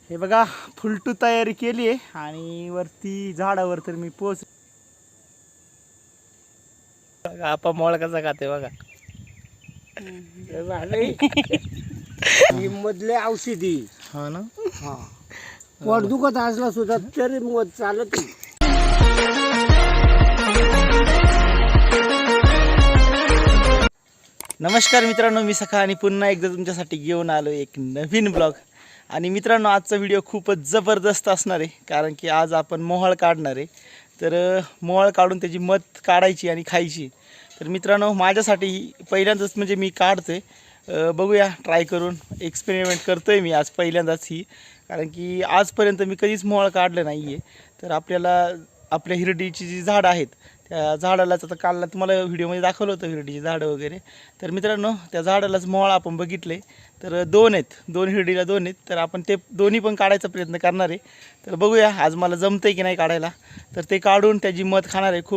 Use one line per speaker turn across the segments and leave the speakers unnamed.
हे बघा फुलटू तयारी केली आहे आणि वरती झाडावर तर मी पोच बघा आपा मोळ कसा खाते बघा.
मधले औषधी
हा ना.
हा पोट दुखत असला सुद्धा तरी मध चालत नाही.
नमस्कार मित्रांनो, मी सखा आणि पुन्हा एकदा तुमच्यासाठी घेऊन आलो एक नवीन ब्लॉग. आणि मित्रांनो, आजचा व्हिडिओ खूपच जबरदस्त असणार आहे, कारण की आज आपण मोहळ काढणार आहे. तर मोहळ काढून त्याची मध काढायची आणि खायची. तर मित्रांनो, माझ्यासाठी पहिल्यांदाच म्हणजे मी काढतोय. बघूया, ट्राय करून एक्सपेरिमेंट करतोय मी आज पहिल्यांदाच ही, कारण की आजपर्यंत मी कधीच मोहळ काढलं नाही आहे. तर आपल्याला आपल्या हिरडीची जी झाडं आहेत त्या झाडालाच आता काल तुम्हाला व्हिडिओमध्ये दाखवलं होतं हिरडीची झाडं वगैरे. तर मित्रांनो, त्या झाडालाच मोहळ आपण बघितले. तर दोन हिरडीला दोन आहेत. तर आपण ते दोन्ही पण काढायचा प्रयत्न करणार आहे. तर बघूया आज मला जमतं आहे की नाही काढायला. तर ते काढून त्याची मध खाणार आहे.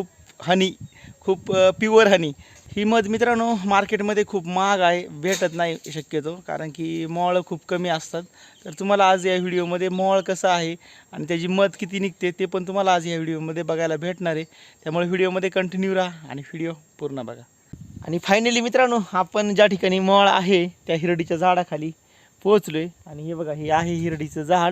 खूप प्युअर हनी. ही मध मित्रांनो मार्केटमध्ये खूप महाग आहे, भेटत नाही शक्यतो, कारण की मोहळ खूप कमी असतात. तर तुम्हाला आज या व्हिडिओमध्ये मोहळ कसं आहे आणि त्याची मध किती निघते ते पण तुम्हाला आज या व्हिडिओमध्ये बघायला भेटणार आहे. त्यामुळे व्हिडिओमध्ये कंटिन्यू राहा आणि व्हिडिओ पूर्ण बघा. आणि फायनली मित्रांनो, आपण ज्या ठिकाणी मोहळ आहे त्या हिरडीच्या झाडाखाली पोहोचलो आहे. आणि हे बघा, हे आहे हिरडीचं झाड.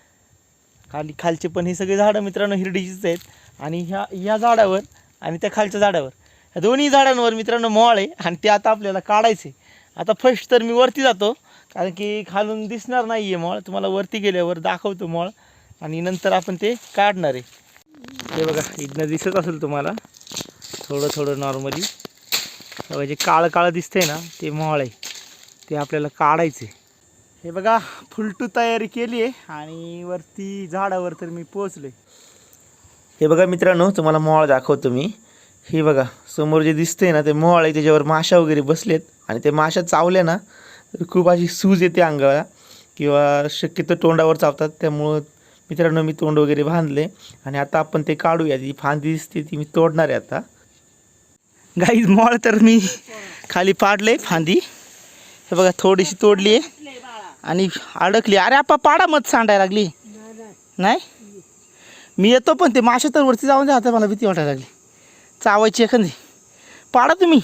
खालचे पण हे सगळे झाडं मित्रांनो हिरडीचीच आहेत. आणि ह्या झाडावर आणि त्या खालच्या झाडावर, ह्या दोन्ही झाडांवर मित्रांनो मोहळ आहे. आणि ते आता आपल्याला काढायचे. आता फर्स्ट तर मी वरती जातो, कारण की खालून दिसणार नाही आहे मोहळ. तुम्हाला वरती गेल्यावर दाखवतो मोहळ आणि नंतर आपण ते काढणार आहे. हे बघा, इथनं दिसत असेल तुम्हाला थोडं नॉर्मली जे काळं दिसतंय ना, ते मोहळ आहे. ते आपल्याला काढायचे. हे बघा, फुलटू तयारी केली आहे आणि वरती झाडावर तर मी पोचलो आहे. हे बघा मित्रांनो, तुम्हाला मोहळ दाखवतो मी. हे बघा समोर जे दिसतंय ना, ते मोहळ आहे. त्याच्यावर माशा वगैरे बसलेत आणि ते माशा चावल्या ना तर खूप अशी सूज येते अंगाला, किंवा शक्यतो तोंडावर चावतात. त्यामुळं मित्रांनो मी तोंड वगैरे बांधले आणि आता आपण ते काढूया. ती फांदी दिसते ती मी तोडणार आहे आता. गाईज, मोहळ तर मी खाली पाडले फांदी. हे बघा थोडीशी तोडली आहे आणि अडकली. अरे आपा पाडा मध सांडायला लागली. नाही मी येतो, पण ते माशा तर वरती जाऊन द्या. आता मला भीती वाटायला लागली, चावायची एखादी. पाडा तुम्ही.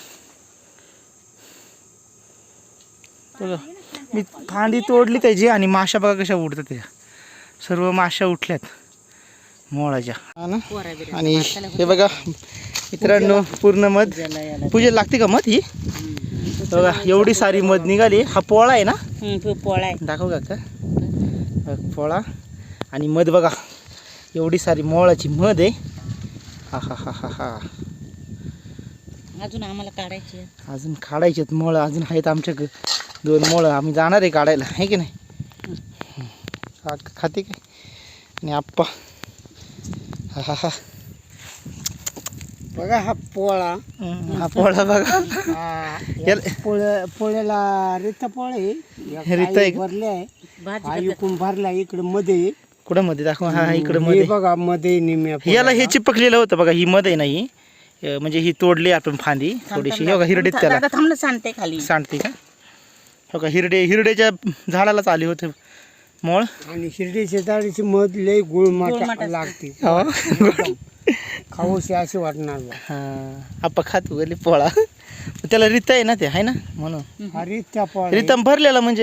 मी फांदी तोडली त्याची आणि माशा बघा कशा उडतात. त्याच्या सर्व माशा उठल्यात मोळाच्या. आणि हे बघा मित्रांनो, पूर्ण मध पूजेला लागते का मध ही. बघा एवढी सारी मध निघाली. हा पोळा आहे ना,
पोळा आहे.
दाखव का पोळा आणि मध बघा, एवढी सारी मोळाची मध आहे. हा हा हा हा हा.
अजून आम्हाला काढायची,
अजून काढायचे आहेत मोळं. अजून आहेत आमच्याकडे 2 मोळं. आम्ही जाणार आहे काढायला, आहे की नाही. खाते काय आणि आप्पा. हा हा हा.
बघा हा पोळा.
हा पोळा बघा.
पोळ्याला रिता पोळे
रिता आहे का?
भरले आहे. इकडून भरला इकडे मध्ये.
कुठं मध्ये दाखव. हा इकडे मध्ये
बघा मध्ये निम्या.
याला हे चिपकलेलं होतं बघा. ही मध्ये नाही, म्हणजे ही तोडली आपण फांदी थोडीशी. हो का हिरडीत त्याला
थांबलं सांडते खाली.
सांडते का. हो का हिरड्याच्या झाडालाच आले होते मोळ.
आणि हिरडीच्या झाडाची मध लय गुळमाट लागते. खाऊशी असे वाटणार.
हा आप्पा खातो गेले पोळा. त्याला रिता आहे ना, ते आहे ना म्हणून.
हा रिता पोळा.
रितम भरलेला म्हणजे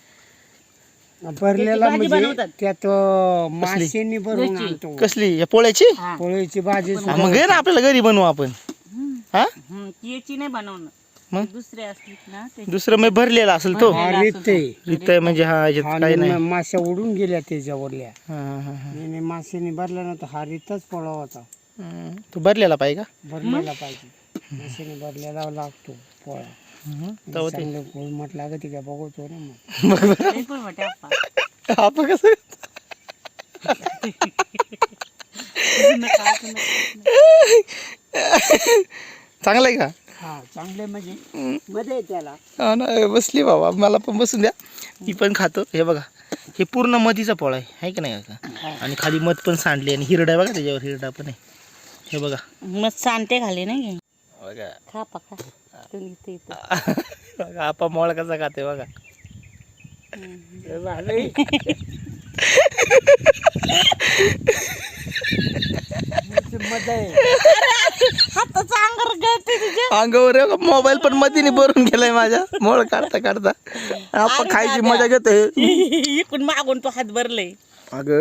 भरलेला म्हणजे त्यात माशांनी भरून आणतो.
कसली या पोळ्याची.
पोळ्याची भाजी.
मग घे ना, आपल्याला घरी बनवू आपण. हा
याची नाही बनवणं,
मग
दुसरे असतील ना ते.
दुसरं मग भरलेला असेल तो.
रिता
म्हणजे हा याच्यात काही नाही.
माश्या उडून गेल्या त्याच्यावरल्या.
हा
माशांनी भरला ना, तर हा रिताच पोळा होता.
तो भरलेला पाहिजे का.
भरलेला पाहिजे. माशांनी भरलेला लागतो पोळा. चांगलं गुळमट लागत का बघतो ना मग.
आपण कसं चांगलं आहे का.
हा चांगले म्हणजे मध्ये त्याला.
हा ना, बसली बाबा, मला पण बसून द्या, मी पण खातो. हे बघा, हे पूर्ण मधीचा पोळा आहे की नाही का. आणि खाली मध पण सांडली आणि हिरडा आहे बघा, त्याच्यावर हिरडा पण आहे. हे बघा
मग सांडते खाली नाही.
बघा
खा पका.
बघा आपा मोळ कसा खाते बघा.
मजा आहे.
हाताचा अंगार गळते तुझ्या.
अंगावर मोबाईल पण मधीने भरून गेलाय माझ्या मोळ काढता काढता. आपण खायची मजा घेतोय.
इकडून मागून तो हात भरले.
अगं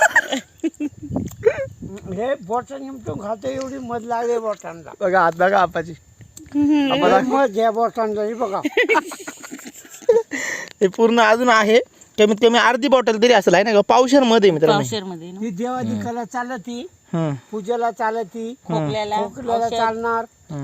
हे बोटाने निमटून खातो एवढी मध लागते बोटांना.
बघा हात बघा आपाची. आपाला
मध घ्या बोटांना हे बघा.
हे पूर्ण अजून आहे. कमीत कमी अर्धी बॉटल तरी असेल आहे ना, पावशर मध्ये मित्रांनो.
पावशेर मध्ये ना.
ही देवादिकाला चालती,
हम्म.
पूजेला चालती,
खोकल्याला
खोकल्याला
औषध,
चालणार,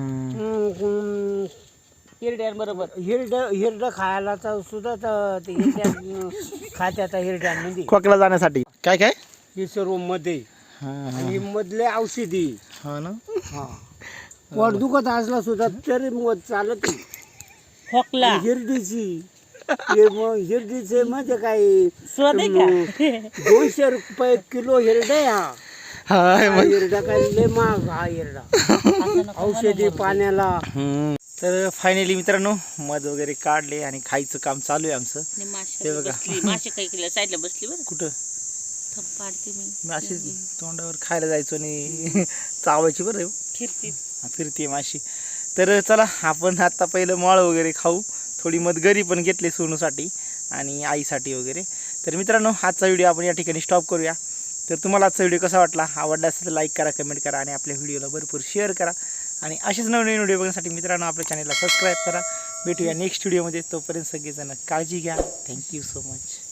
हिरड्यांबरोबर.
हिरड खायला तर सुद्धा ते खात्यात हिरड्यांमध्ये
खोकला जाण्यासाठी काय काय
हे सर्व मध्ये.
हा
आणि मधले औषधी.
हा ना.
हा पोट दुखत असला सुद्धा तरी मध चालत नाही.
खोकला
हिरडीची हिरडीचे म्हणजे काय
स्वाद आहे का?
200 रुपये किलो हिरडा आहे हा.
हा
हिरडा काय लय महाग हा हिरडा.
असं नको
औषधी पाण्याला.
तर फायनली मित्रांनो मध वगैरे काढले आणि खायचं काम चालू आहे आमचं.
आणि माशी
ते बघा.
बसली. माशी काही केलं साईडला बसली बरं.
कुठं
थप पाडते मी.
मी अशी तोंडावर खायला जायचो आणि चावायची बरं
फिरती.
फिरते माशी. तर चला आपण आता पहिलं माळ वगैरे खाऊ. थोडी मध घरी पण घेतली सोनूसाठी आणि आईसाठी वगैरे. तर मित्रांनो आजचा व्हिडिओ आपण या ठिकाणी स्टॉप करूया. तर तुम्हाला आजचा व्हिडिओ कसा वाटला, आवडला असेल तर लाईक करा, कमेंट करा आणि आपल्या व्हिडिओला भरपूर शेअर करा. आणि असेच नवीन व्हिडिओ बघण्यासाठी मित्रांनो आपल्या चॅनलला सबस्क्राईब करा. भेटूया नेक्स्ट व्हिडिओमध्ये. तोपर्यंत सगळेजण काळजी घ्या. Thank you so much.